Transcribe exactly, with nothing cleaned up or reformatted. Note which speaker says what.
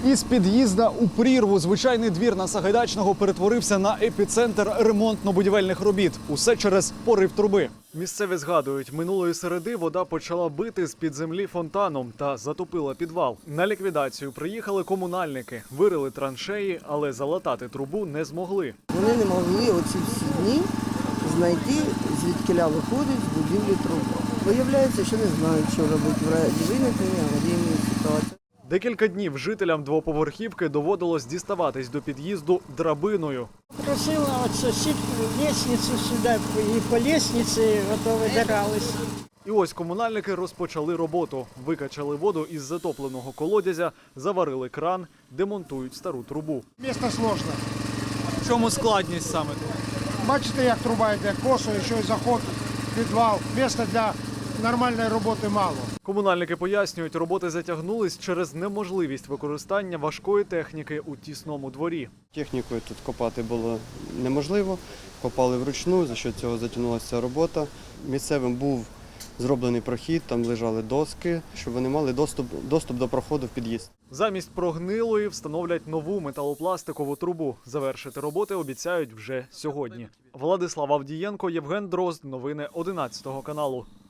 Speaker 1: Із під'їзда у прірву звичайний двір на Сагайдачного перетворився на епіцентр ремонтно-будівельних робіт. Усе через порив труби. Місцеві згадують, минулої середи вода почала бити з-під землі фонтаном та затопила підвал. На ліквідацію приїхали комунальники, вирили траншеї, але залатати трубу не змогли.
Speaker 2: Вони не могли оці всі дні знайти, звідкиля виходить з будівлі труба. Виявляється, що не знають, що робити в разі виникнення аварійної ситуації.
Speaker 1: Декілька днів жителям двоповерхівки доводилось діставатись до під'їзду драбиною.
Speaker 3: Просила от сусідку лестницю сюди, і по лестниці ото видирались.
Speaker 1: І ось комунальники розпочали роботу. Викачали воду із затопленого колодязя, заварили кран, демонтують стару трубу.
Speaker 4: Місто сложне.
Speaker 1: В чому складність саме?
Speaker 4: Бачите, як труба йде косою, що й заход, підвал. Місця для нормальної роботи мало.
Speaker 1: Комунальники пояснюють, роботи затягнулись через неможливість використання важкої техніки у тісному дворі.
Speaker 5: Технікою тут копати було неможливо, копали вручну, за що цього затягнулася робота. Місцевим був зроблений прохід, там лежали доски, щоб вони мали доступ, доступ до проходу в під'їзд.
Speaker 1: Замість прогнилої встановлять нову металопластикову трубу. Завершити роботи обіцяють вже сьогодні. Владислав Авдієнко, Євген Дрозд. Новини одинадцятого каналу.